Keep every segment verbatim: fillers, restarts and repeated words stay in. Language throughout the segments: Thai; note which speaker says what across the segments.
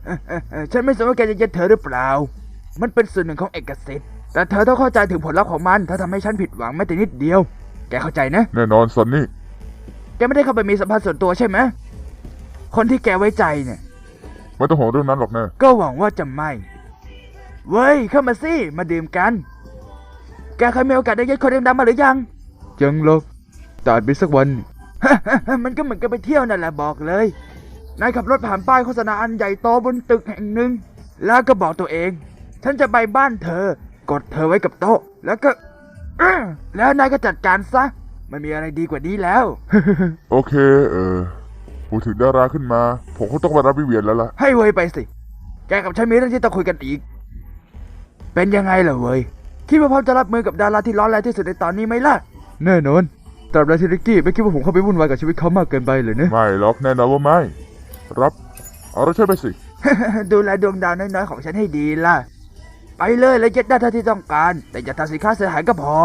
Speaker 1: ฉันไม่สนว่าแกจะยึดเธอหรือเปล่ามันเป็นส่วนหนึ่งของเอกสิทธิ์แต่เธอต้องเข้าใจถึงผลลัพธ์ของมันถ้าทำให้ฉันผิดหวังแม้แต่นิดเดียวแกเข้าใจนะ
Speaker 2: แน่นอนซันนี่
Speaker 1: แกไม่ได้เข้าไปมีสัมพันธ์ส่วนตัวใช่ไหมคนที่แกไว้ใจเนี่ย
Speaker 2: ไม่ต้องห่วงเรื่องนั้นหรอกนะ
Speaker 1: ก็หวังว่าจะไม่เว้ยเข้ามาสิมาดื่มกันแกเคยมีโอกาสได้ยึดคนดำๆมาหรือยัง
Speaker 2: ยังหรอกแต่อาจมีสักวัน
Speaker 1: มันก็เหมือนกับไปเที่ยวนั่นแหละบอกเลยนายขับรถผ่านป้ายโฆษณาอันใหญ่โตบนตึกแห่งหนึ่งแล้วก็บอกตัวเองฉันจะไปบ้านเธอกดเธอไว้กับโต๊ะแล้วก็แล้วนายก็จัดการซะไม่มีอะไรดีกว่านี้แล้ว
Speaker 2: โอเคเออพูดถึงดาราขึ้นมาผมคงต้องไปรับวิเวียนแล้วล่ะ
Speaker 1: ให้เว้ยไปสิแกกับฉันมีเรื่องที่ต้องคุยกันอีกเป็นยังไงล่ะเว้ยคิดว่าพร้อมจะรับมือกับดาราที่ร้อนแรงที่สุดในตอนนี้ไหมล่ะ
Speaker 2: แน่นอนตราบใดที่ริกกี้ไม่คิดว่าผมเข้าไปวุ่นวายกับชีวิตเขามากเกินไปเลยเนี่ยไม่หรอกแน่นอนว่าไม่รับเอาเราใช่ไปสิ
Speaker 1: ดูแลดวงดาวน้อยๆของฉันให้ดีล่ะไปเลยแล้วยึดได้เท่าที่ต้องการแต่อย่าทำสินค้าเสียหายก็พอ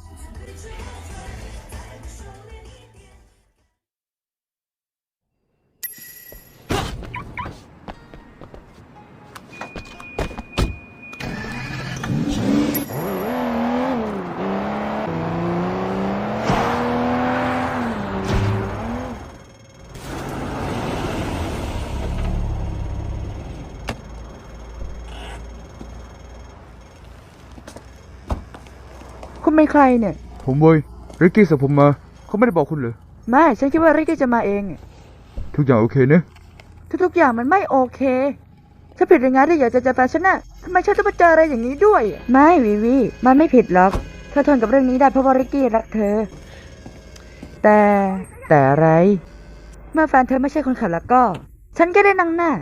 Speaker 1: คุณเป็นใครเนี่ย
Speaker 2: ผมเว้ยริกกี้ส่งผมมาเขาไม่ได้บอกคุณเหรอ
Speaker 1: ไม่ฉันคิดว่าริกกี้จะมาเอง
Speaker 2: ทุกอย่างโอเคนะ
Speaker 1: ทุกๆอย่างมันไม่โอเคฉันผิดยังไงที่อยากจะเจอแฟนฉันน่ะทำไมฉันต้องมาเจออะไรอย่างนี้ด้วยไม่วีวีมันไม่ผิดหรอกเธอทนกับเรื่องนี้ได้เพราะว่าริกกี้รักเธอแต่แต่อะไรเมื่อแฟนเธอไม่ใช่คนขับแล้วก็ฉันก็ได้นั่งหน้า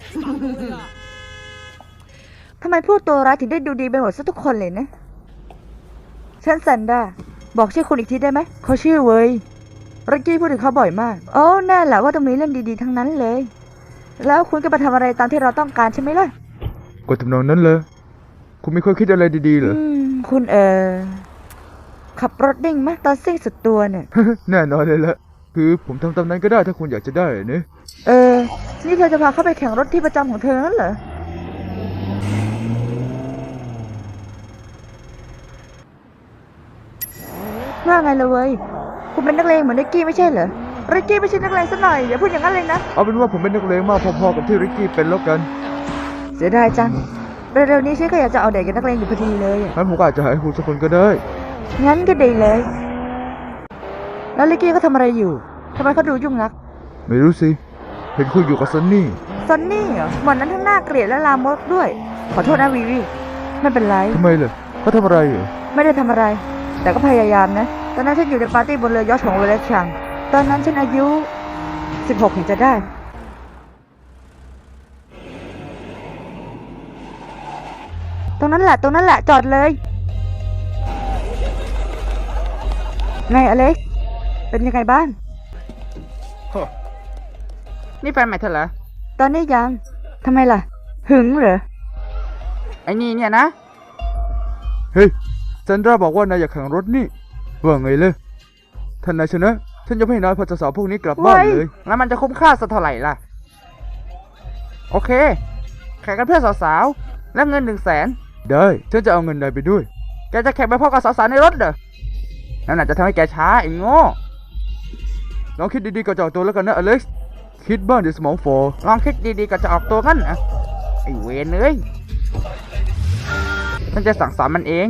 Speaker 1: ทำไมพูดตัวร้ายถึงได้ดูดีไปหมดซะทุกคนเลยนะฉันซันด้าบอกชื่อคุณอีกทีได้ไหมเขาชื่อเว้ยริกกี้พูดถึงเขาบ่อยมากโอ้แน่แหละว่าต้องมีเรื่องดีๆทั้งนั้นเลยแล้วคุณก็มาทำอะไรตามที่เราต้องการใช่ไหมล่ะ
Speaker 2: ก็ทำนองนั้นเลยคุณไม่เคยคิดอะไรดีๆเหรอ
Speaker 1: คุณเออขับรถดิ่งไหมตอนซิ่งสุดตัวเนี่ย
Speaker 2: แน่นอนเลยละคือผมทำตามนั้นก็ได้ถ้าคุณอยากจะได้เนี่ย
Speaker 1: เออนี่เธอจะพาเข้าไปแข่งรถที่ประจำของเธอนั่นเหรอว่าไงล่ะเว้ยคุณเป็นนักเลงเหมือนริกกี้ไม่ใช่เหรอริกกี้ไม่ใช่นักเลงซะหน่อยอย่าพูดอย่างนั้นเลยนะ
Speaker 2: เอาเป็นว่าผมเป็นนักเลงมากพอๆกับที่ริกกี้เป็นแล้วกัน
Speaker 1: เสียดายจังเร็วๆนี้ฉันก็อยากจะเอาเด็กกับนักเลงอยู่พอดีเลย
Speaker 2: งั้นผมก็อาจจะหาให้คุณสักคนก็ได้
Speaker 1: งั้นก็ดีเลยแล้วริกกี้เขาทำอะไรอยู่ทำไมเขาดูยุ่งนัก
Speaker 2: ไม่รู้สิเห็นคุณอยู่กับซันนี่
Speaker 1: ซันนี่เหรอวันนั้นทั้งหน้าเกลียดและลามกด้วยขอโทษนะวีวีไม่เป็นไร
Speaker 2: ทำไมล่ะเขาทำอะไรเหรอ
Speaker 1: ไม่ได้ทำอะไรแต่ก็พยายามนะตอนนั้นฉันอยู่ในปาร์ตี้บนเรือยอชต์ของเวเลชังตอนนั้นฉันอายุสิบหกเห็นจะได้ตรงนั้นแหละตรงนั้นแหละจอดเลยไงอเล็กซ์เป็นยังไงบ้างนี่แฟนใหม่เธอเหรอตอนนี้ยังทำไมล่ะหึงเหรอไอ้นี่เนี่ยนะ
Speaker 2: เฮ้ยซันดราบอกว่านายอยากแข่งรถนี่ว่าไงเลยท่านนายชนะฉันจะให้นายพาสาวพวกนี้กลับบ้านเลย
Speaker 1: แล้วมันจะคุ้มค่าสักเท่าไหร่ล่ะโอเคแข่งกันเพื่อสาวๆและเงินหนึ่งแสน
Speaker 2: ได้ฉันจะเอาเงินนายไปด้วย
Speaker 1: แกจะแข่งไปพร้อมกับสาวๆในรถเหรอนั่นอาจจะทำให้แกช้าไอ้โง่
Speaker 2: ลองคิดดีๆก่อนจะออกตัวแล้วกันนะอเล็กซ์คิดบ้างเดี๋ยวสมองฟอ
Speaker 1: ลองคิดดีๆก่อนจะออกตัวงั้นนะไอ้เวรเอ้ยฉันจะสั่งสอนมันเอง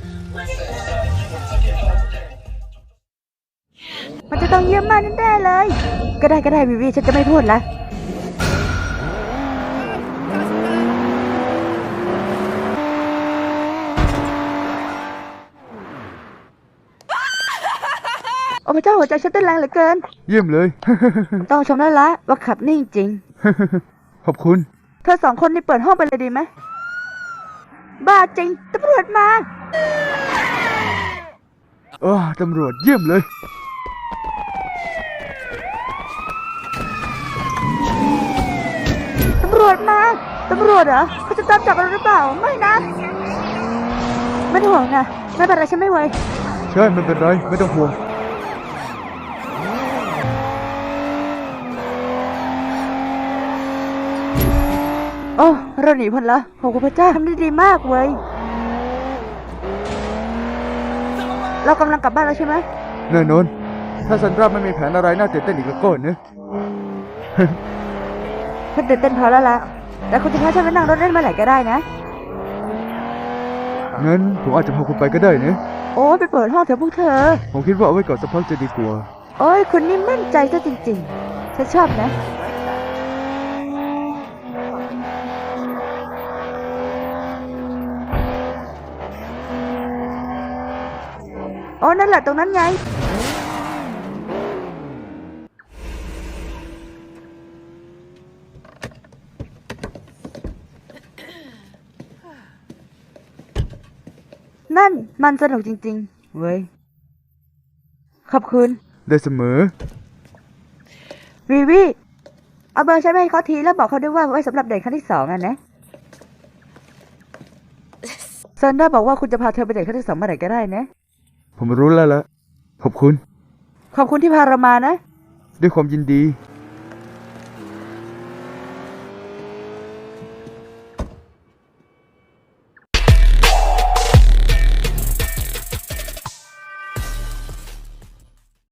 Speaker 1: มันจะต้องเยี่ยมมากแน่ๆเลยก็ได้ก็ได้วิวีฉันจะไม่พูดละโอ้พระเจ้าหัวใจฉันเต้นแรงเหลือเกิน
Speaker 2: เยี่ยมเลย
Speaker 1: ต้องชมได้ละว่าขับนิ่งจริง
Speaker 2: ขอบคุณ
Speaker 1: เธอสองคนนี่เปิดห้องไปเลยดีไหมบ้าจริงตำรวจมา
Speaker 2: เออตำรวจเยี่ยมเลย
Speaker 1: ตำรวจมาตำรวจเหรอเขาจะตามจับเราหรือเปล่าไม่นะไม่ต้องห่วงนะไม่เป็นไรฉันไม่ไหว
Speaker 2: ใช่ไม่เป็นไรไม่ต้องห่วง
Speaker 1: โอ้เราหนีพ้นละขอบคุณพระเจ้าทำได้ดีมากเว้ยเรากำลังกลับบ้านแล้วใช่ไหม
Speaker 2: แน่นอนถ้าซันดราไม่มีแผนอะไรน่าตื่นเต้นอีกแล้วก็นะ
Speaker 1: ฉันตื่นเต้นพอแล้วล่ะแต่คุณจะพาฉันไปนั่งรถเล่นเมื่อไหร่ก็ได้นะ
Speaker 2: งั้นผมอาจจะพาคุณไปก็ได้นะ
Speaker 1: โอ้ไปเปิดห้องเถอะพวกเธอ
Speaker 2: ผมคิดว่าเอาไว้ก่อนสักพักจะดีกว่า
Speaker 1: โอ้ยคุณนี่มั่นใจซะจริงๆ ฉันชอบนะ โอ้นั่นแหละตรงนั้นไง นั่นมันสนุกจริงๆ เว้ย ขอบคุณ
Speaker 2: ได้เสมอ
Speaker 1: วีวีเอาเบอร์ฉันไปให้เขาทีแล้วบอกเขาด้วยว่าไว้สำหรับเดทครั้งที่สองอ่ะนะซันด้าบอกว่าคุณจะพาเธอไปเดทครั้งที่สองเมื่อไหร่ก็ได้นะ
Speaker 2: ผมรู้แล้วละขอบคุณ
Speaker 1: ขอบคุณที่พาเรามานะ
Speaker 2: ด้วยความยินดี